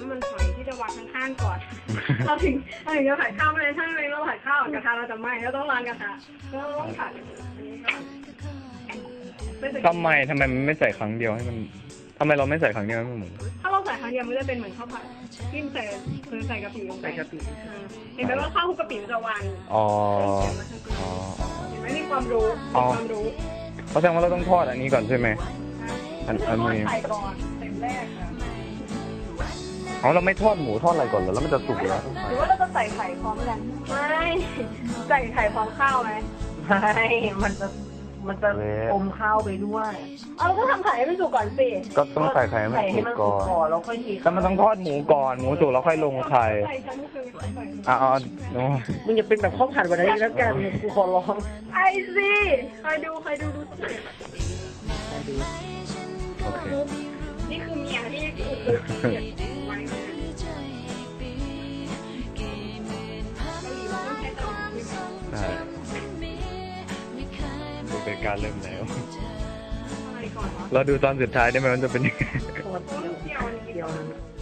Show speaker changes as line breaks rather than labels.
ำมันหอยที่จะวางข้างๆก่อนเราถึงจะผัดข้าวไม่ได้ถ้าเราผัดข้าวกระทะเราจะไหม้เราต้องล้างกระทะแล้วเราต้องผัดอันนี้ก่อน
ทำไมมันไม่ใส่ครั้งเดียวให้มันทำไมเราไม่ใส่ครั้งเดียวให้มันหมุน
ถ้าเราใส่ครั้งเดียวมันจะเป็นเหมือนข้าวผัดที่ใส่กะปิลงไปเห็นไหมว่าข้าวคลุกกะปิมันจะวาง
อ๋อ
เห็นไหมมีความรู้
เพราะแสดงว่าเราต้องทอดอันนี้ก่อนใช่ไหมอันนี้
ใส่ก่อนเต็มแรก
เราไม่ทอดหมูทอดอะไรก่อนเหรอแล้วมันจะสุกแล้ว
หรือว่าเราจะใส่ไข่พร้อมกันไม่ใส่ไข่พร้อมข้าวไหม
ไม่มันจะอมข้าวไปด้วย
เราก็ทำไข่ให้มันสุกก่อนสิ
ก็ต้องใส่ไข่ให้มันสุกก่อน
แล้วค่อยที
แต่มันต้องทอดหมูก่อนหมูสุกแล้วค่อยลงไข่
มึงอย่าเป็นแบบข้าวผัดวันนี้แล้วกันกูขอร้อง
ไอซีคอยดู
โอเค
นี่คือเมียที่ไว้
ใช่ดูเป็นการเริ่มแล้วเราดูตอนสุดท้ายได้ไหมมันจะเป็นยังไง
เดียว